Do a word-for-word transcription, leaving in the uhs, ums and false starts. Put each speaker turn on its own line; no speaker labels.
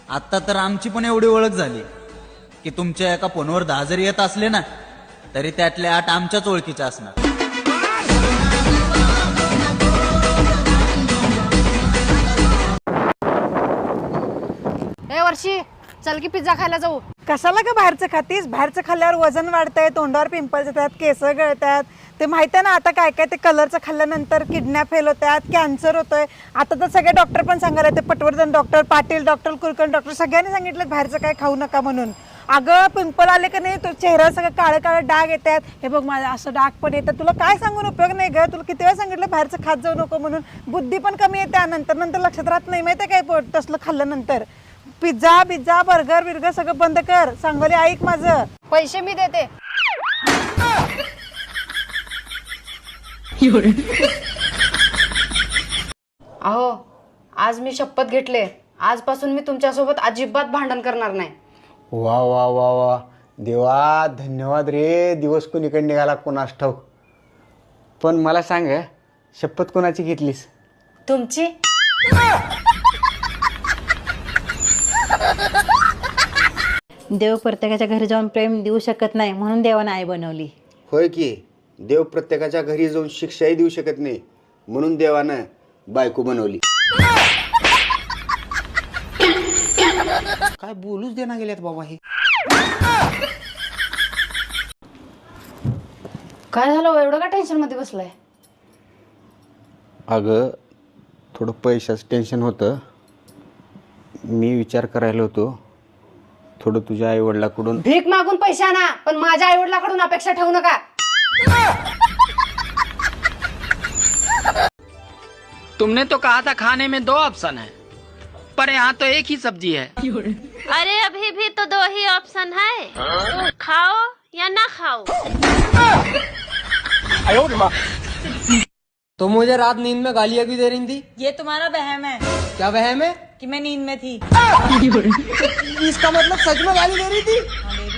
आता तर आमची पण एवढी ओळख झाली की तुमच्या एका फोनवर दहा जरी येत असले ना तरी त्यातले आठ आमच्याच ओळखीचे असणार.
ए वर्षी, चल की पिझ्झा खायला जाऊ.
कशाला का बाहेरचं खातीस? बाहेरचं खाल्ल्यावर वजन वाढतंय, तोंडावर पिंपल्स येतात, केस गळतात. ते माहिती आहे ना आता काय काय ते कलरचं खाल्ल्यानंतर किडन्या फेल होतात, कॅन्सर होतोय. आता तर सगळे डॉक्टर पण सांगायला ते Patwardhan doctor, Patil doctor, Kulkarni doctor सगळ्यांनी सांगितलं बाहेरचं काय खाऊ नका म्हणून. अगं पिंपल आले का नाही तो चेहरा सगळं काळे काळे डाग येतात. हे बघ माझं असं डाग पण येतात. तुला काय सांगून उपयोग नाही ग. तुला किती वेळा सांगितलं बाहेरचं खात जाऊ नको म्हणून. बुद्धी पण कमी येते नंतर नंतर लक्षात राहत नाही माहिती काय पोट तसलं खाल्ल्यानंतर. पिझ्झा पिझ्झा बर्गर बिर्गर सगळं बंद कर. सांगोली ऐक माझं.
पैसे मी देते. अहो आज मी शपथ घेतले, आजपासून मी तुमच्यासोबत अजिबात भांडण करणार नाही.
वा वा वा वा देवा धन्यवाद रे. दिवस कोणीकडे निघाला कोणास ठाऊक. पण मला सांग शपथ कोणाची घेतलीस?
तुमची.
देव प्रत्येकाच्या घरी जाऊन प्रेम देऊ शकत नाही म्हणून देवाने आई बनवली.
होय की देव प्रत्येकाच्या घरी जाऊन शिक्षाही देऊ शकत नाही म्हणून देवानं बायको बनवली. काय बोलूच देना गेल्यात बाबा हे.
काय झालं एवढं का टेन्शन मध्ये बसलाय?
अगं थोडं पैशाचं टेन्शन होतं. मी विचार करायला होतो थोडं तुझ्या आई वडिलाकडून.
भीक मागून पैसे आणा पण माझ्या आई वडिलाकडून अपेक्षा ठेवू नका.
तुमने तो कहा था खाने में दो ऑप्शन है पर यहाँ तो एक ही सब्जी है.
अरे अभी भी तो दो ही ऑप्शन है, खाओ या ना खाओ.
तो मुझे रात नींद में गालियाँ क्यों दे रही थी?
ये तुम्हारा वहम है.
क्या वहम है?
कि मैं नींद में थी.
इसका मतलब सच में गाली दे रही थी?